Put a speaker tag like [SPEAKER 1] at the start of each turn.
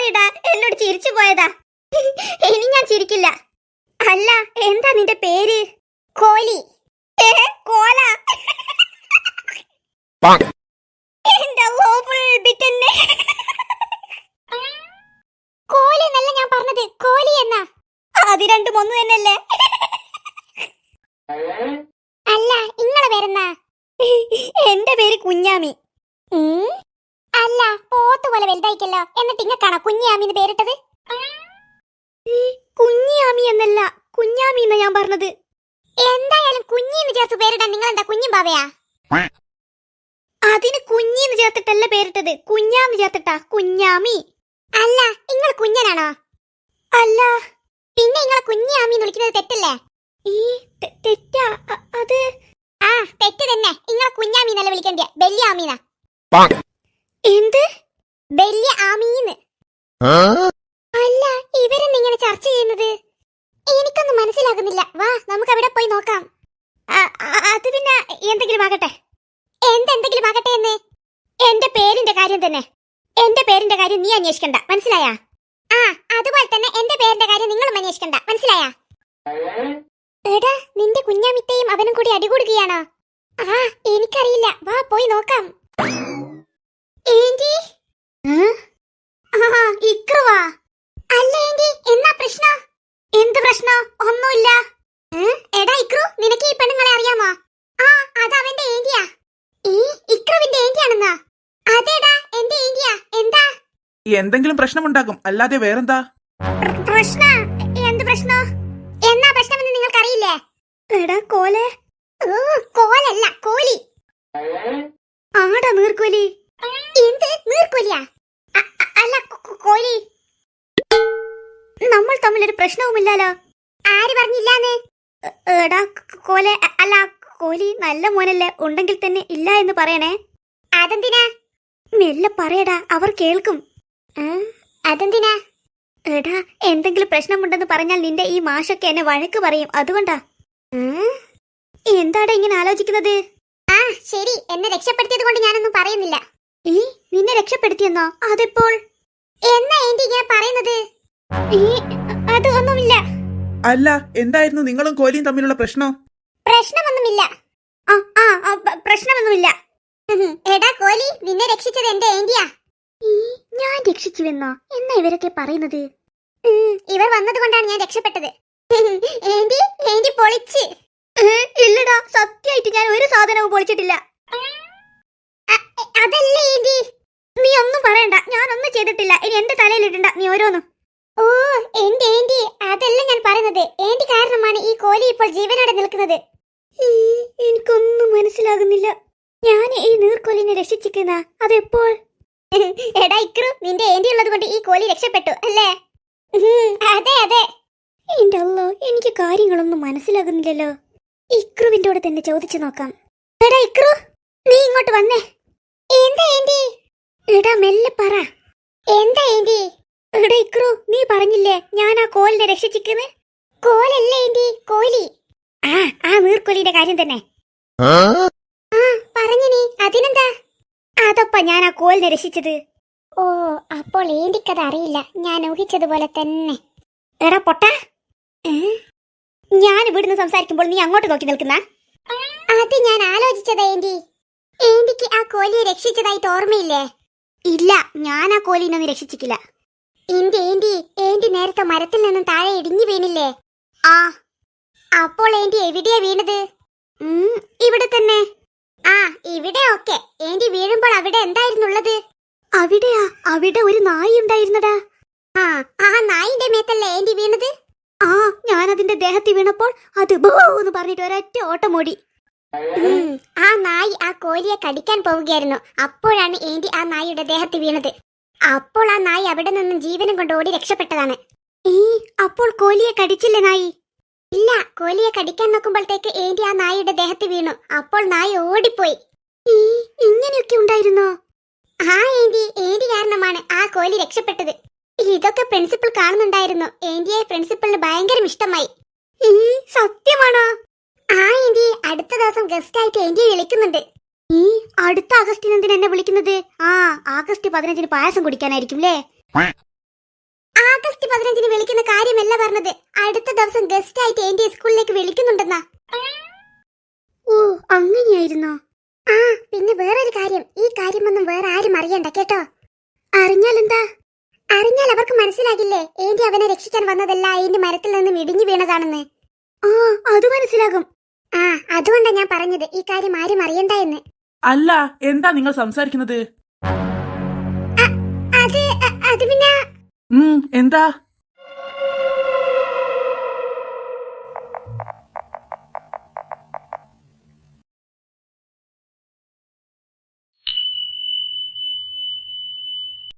[SPEAKER 1] സോറിടാ, എന്നോട് ചിരിച്ചു പോയതാ. ഇനി ഞാൻ ചിരിക്കില്ല. അല്ല, എന്താ നിന്റെ പേര്? കോലി. കോല. എന്റെ ബിറ്റന്നെ. കോലി എന്നല്ല ഞാൻ പറഞ്ഞത്, കോലി എന്നാ. അത് രണ്ടും ഒന്ന് തന്നെയല്ലേ? അല്ല, ഇങ്ങളെ പേരെന്നാ? എന്റെ പേര് കുഞ്ഞാമി. അല്ല, പോത്തുപോലെ വലുതായിക്കല്ലോ, എന്നിട്ട് ഇങ്ങക്കാണോ കുഞ്ഞാമിന്ന് പേരിട്ടത്? കുഞ്ഞാമി എന്നല്ല, കുഞ്ഞാമി എന്നാ ഞാൻ പറഞ്ഞത്. എന്തായാലും കുഞ്ഞിന്ന് ചേർത്ത് പേരിടാൻ നിങ്ങൾ എന്താ കുഞ്ഞും ബാവയാ? അതിന് കുഞ്ഞിന്ന് ചേർത്തിട്ടല്ല പേരിട്ടത്, കുഞ്ഞാന്ന് ചേർത്തിട്ടാ കുഞ്ഞാമി. അല്ല, നിങ്ങൾ കുഞ്ഞനാണോ? അല്ല. പിന്നെ നിങ്ങളെ കുഞ്ഞാമിന്ന് വിളിക്കുന്നത് തെറ്റല്ലേ? ഈ തെറ്റാ അത്? ആ, തെറ്റ് തന്നെ. നിങ്ങളെ കുഞ്ഞാമിന്നല്ല വിളിക്കണ്ടേ, ബെല്യ ആമീന. എന്ത് ബെല്യ ആമീന്ന്? അല്ല, ഇവരെന്ന് ഇങ്ങനെ ചർച്ച ചെയ്യുന്നത് എനിക്കൊന്നും മനസ്സിലാകുന്നില്ല. വാ, നമുക്ക് അവിടെ പോയി നോക്കാം. അത് പിന്നെ എന്തെങ്കിലും ആകട്ടെ. എന്തെങ്കിലും ആകട്ടെ എന്ന്? എന്റെ പേരിന്റെ കാര്യം തന്നെ. എന്റെ പേരിന്റെ കാര്യം നീ അന്വേഷിക്കണ്ട, മനസ്സിലായാ? ആ, അതുപോലെ തന്നെ എന്റെ പേരിന്റെ കാര്യം നിങ്ങളും അന്വേഷിക്കണ്ട, മനസ്സിലായാ? എടാ, നിന്റെ കുഞ്ഞാമിത്തയും അവനും കൂടി അടികൂടുകയാണോ? ആ, എനിക്കറിയില്ല. വാ, പോയി നോക്കാം. ഏന്റി? ഇക്രുവാ? അല്ല ഏന്റി, എന്നാ പ്രശ്നം? എന്ത് പ്രശ്നം? ഒന്നുമില്ല. എടാ ഇക്രു, നിനക്ക് ഈ പെണ്ണുങ്ങളെ അറിയാമോ? ആ, അത് അവന്റെ ഏന്റിയാ. ഇക്രുവിന്റെ ഏന്റിയാണെന്നാ? അതേടാ, എന്റെ ഏന്റിയാ. എന്താ?
[SPEAKER 2] എന്തെങ്കിലും പ്രശ്നമുണ്ടാകും, അല്ലാതെ വേറെന്താ?
[SPEAKER 1] പ്രശ്ന? എന്ത് പ്രശ്നം? എന്നാ പ്രശ്നമെന്ന് നിങ്ങൾക്കറിയില്ലേ? എടാ കോലെ. കോലല്ല, കോലി. ആടാ നീർക്കോലി. എന്ത് നീർക്കോലിയാ? അല്ല, കോലി. നമ്മൾ തമ്മിലൊരു പ്രശ്നവുമില്ലല്ലോ. ആര് പറഞ്ഞില്ലാന്ന്? എടാ കോലെ, അല്ല കോലി നല്ല മോനല്ലേ, ഉണ്ടെങ്കിൽ തന്നെ ഇല്ല എന്ന് പറയണേ. അതെന്തിനാ? മെല്ലെ പറയടാ, അവർ കേൾക്കും. അതെന്തിനാ? എടാ, എന്തെങ്കിലും പ്രശ്നമുണ്ടെന്ന് പറഞ്ഞാൽ നിന്റെ ഈ മാഷൊക്കെ എന്നെ വഴക്ക് പറയും, അതുകൊണ്ടാ. എന്താടാ ഇങ്ങനെ ആലോചിക്കുന്നത്? ആ ശരി, എന്നെ രക്ഷപ്പെടുത്തിയത് കൊണ്ട് ഞാനൊന്നും പറയുന്നില്ല. നിന്നെ രക്ഷപ്പെടുത്തിയെന്നോ? അതെപ്പോൾ? എന്നാ ഏന്റി ഇങ്ങനെ പറയുന്നത്? അത് ഒന്നുമില്ല.
[SPEAKER 2] അല്ല, എന്തായിരുന്നു നിങ്ങളും കോലിയും തമ്മിലുള്ള പ്രശ്നം?
[SPEAKER 1] പ്രശ്നമൊന്നുമില്ല. പ്രശ്നമൊന്നുമില്ല. എടാ കോലി, നിന്നെ രക്ഷിച്ചത് എന്റെ ഏന്റിയാ. ഞാൻ രക്ഷിച്ചുവെന്നോ? എന്നാ ഇവരൊക്കെ പറയുന്നത്? ഇവർ വന്നത് കൊണ്ടാണ് ഞാൻ രക്ഷപ്പെട്ടത്. ഏന്റി, ഏന്റി പൊളിച്ച്. ഇല്ലടാ, സത്യമായിട്ട് ഞാൻ ഒരു സാധനവും പൊളിച്ചിട്ടില്ല. അതല്ലേ ഏന്റി. നീ ഒന്നും പറയണ്ട, ഞാനൊന്നും ചെയ്തിട്ടില്ല. ഇനി എന്റെ തലയിലിടണ്ട നീ ഓരോന്നും. ഓ, എന്റെ ഏന്റി, അതല്ല ഞാൻ പറയുന്നത്. ഏന്റി കാരണമാണ് ഈ കോലി ഇപ്പോൾ ജീവനോടെ നിൽക്കുന്നത്. എനിക്കൊന്നും മനസ്സിലാകുന്നില്ല. ഞാൻ ഈ നീർക്കോലിനെ രക്ഷിച്ചിരിക്കുന്ന അതെപ്പോൾ? എടാ ഇക്രു, നിന്റെ ഏന്റി ഉള്ളത് കൊണ്ട് ഈ കോലി രക്ഷപ്പെട്ടു അല്ലേ? അതെ അതെ. എന്റെ അല്ലോ, എനിക്ക് കാര്യങ്ങളൊന്നും മനസ്സിലാകുന്നില്ലല്ലോ. ഇക്രുവിന്റെ കൂടെ തന്നെ ചോദിച്ചു നോക്കാം. എടാ ഇക്രു, നീ ഇങ്ങോട്ട് വന്നേ. എന്താ ഏന്റി? എടാ മെല്ലെ പറ. എന്താ ഏന്റി? എടാ ഇക്രു, നീ പറഞ്ഞില്ലേ ഞാൻ ആ കോലിനെ രക്ഷിച്ചിരിക്കുന്നു? കോലല്ലേ ഏന്റി, കോലി. ആ നീർക്കോലിന്റെ കാര്യം തന്നെ. പറഞ്ഞു നീ, അതിനെന്താ? അതപ്പ ഞാൻ ആ കോലിനെ രക്ഷിച്ചത്. ഓ, അപ്പോൾ ഏന്റിക്കത് അറിയില്ല. ഞാൻ ഊഹിച്ചതുപോലെ തന്നെ. എടാ പൊട്ട, ഞാൻ ഇവിടുന്ന് സംസാരിക്കുമ്പോൾ നീ അങ്ങോട്ട് നോക്കി നിൽക്കുന്ന? അത് ഞാൻ ആലോചിച്ചതാ ഏന്റി. ഏന്റിക്ക് ആ കോലിയെ രക്ഷിച്ചതായിട്ട് ഓർമ്മയില്ലേ? ഇല്ല, ഞാൻ ആ കോലിനൊന്നും രക്ഷിച്ചിട്ടില്ല. എന്റെ ഏന്റി, ഏന്റി നേരത്തെ മരത്തിൽ നിന്നും താഴെ ഇടിഞ്ഞു വീണില്ലേ? ആ, അപ്പോൾ ഏന്റി എവിടെയാ വീണത്? ഇവിടെ തന്നെ. ആ, ഇവിടെ ഓക്കെ. ഏന്റി വീഴുമ്പോൾ അവിടെ എന്തായിരുന്നുള്ളത്? അവിടെയാ, അവിടെ ഒരു നായി ഉണ്ടായിരുന്നടാ. ആ നായിന്റെ മേത്തല്ലേ ഏന്റി വീണത്? ആ, ഞാൻ അതിന്റെ ദേഹത്തിൽ വീണപ്പോൾ അത് ബോന്ന് പറഞ്ഞിട്ട് ഒരൊറ്റ ഓട്ടം ഓടി. ആ നായി ആ കോലിയെ കടിക്കാൻ പോവുകയായിരുന്നു. അപ്പോഴാണ് ഏന്റി ആ നായിയുടെ ദേഹത്തിൽ വീണത്. അപ്പോൾ ആ നായി അവിടെ നിന്നും ജീവനും കൊണ്ട് ഓടി രക്ഷപ്പെട്ടതാണ്. അപ്പോൾ കോലിയെ കടിച്ചില്ലേ നായി? ഇല്ല, കോലിയെ കടിക്കാൻ നോക്കുമ്പോഴത്തേക്ക് ഏന്റി ആ നായിയുടെ ദേഹത്ത് വീണു. അപ്പോൾ നായി ഓടിപ്പോയി. ഇങ്ങനെയൊക്കെ ഉണ്ടായിരുന്നോ? ആ ഏന്റി കാരണമാണ് ആ കോലി രക്ഷപ്പെട്ടത്. ഇതൊക്കെ പ്രിൻസിപ്പൽ കാണുന്നുണ്ടായിരുന്നു. ഏന്റിയെ പ്രിൻസിപ്പലിന് ഭയങ്കര ഇഷ്ടമായി. സത്യമാണോ? ആ ഏന്റി, അടുത്ത ദിവസം ഗസ്റ്റ് ആയിട്ട് ഏന്റിയെ വിളിക്കുന്നുണ്ട്. അടുത്ത ആഗസ്റ്റിന് എന്തിനാ എന്നെ വിളിക്കുന്നത്? ആ, ആഗസ്റ്റ് 15 പായസം കുടിക്കാനായിരിക്കും അല്ലേ? ആഗസ്റ്റ് 15-ന് വിളിക്കുന്ന കാര്യമല്ല പറഞ്ഞത്. അടുത്ത ദിവസം ഗസ്റ്റ് ആയിട്ട് എന്റെ സ്കൂളിലേക്ക് വിളിക്കുന്നുണ്ടെന്നാ. ഓ, അങ്ങനെയായിരുന്നോ? ആ, പിന്നെ വേറൊരു കാര്യം. ഈ കാര്യമൊന്നും വേറെ ആരും അറിയണ്ട കേട്ടോ. അറിഞ്ഞാലെന്താ? അറിഞ്ഞാൽ അവർക്ക് മനസ്സിലാകില്ലേ ഏന്റി അവനെ രക്ഷിക്കാൻ വന്നതല്ല ഏന്റി മരത്തിൽ നിന്ന് ഇടിഞ്ഞു വീണതാണെന്ന്. ആ, അത് മനസ്സിലാകും. ആ, അതുകൊണ്ടാ ഞാൻ പറഞ്ഞത് ഈ കാര്യം ആരും അറിയണ്ട എന്ന്.
[SPEAKER 2] അല്ല, എന്താ നിങ്ങൾ സംസാരിക്കുന്നത്?
[SPEAKER 1] അത് പിന്നെ
[SPEAKER 2] എന്താ?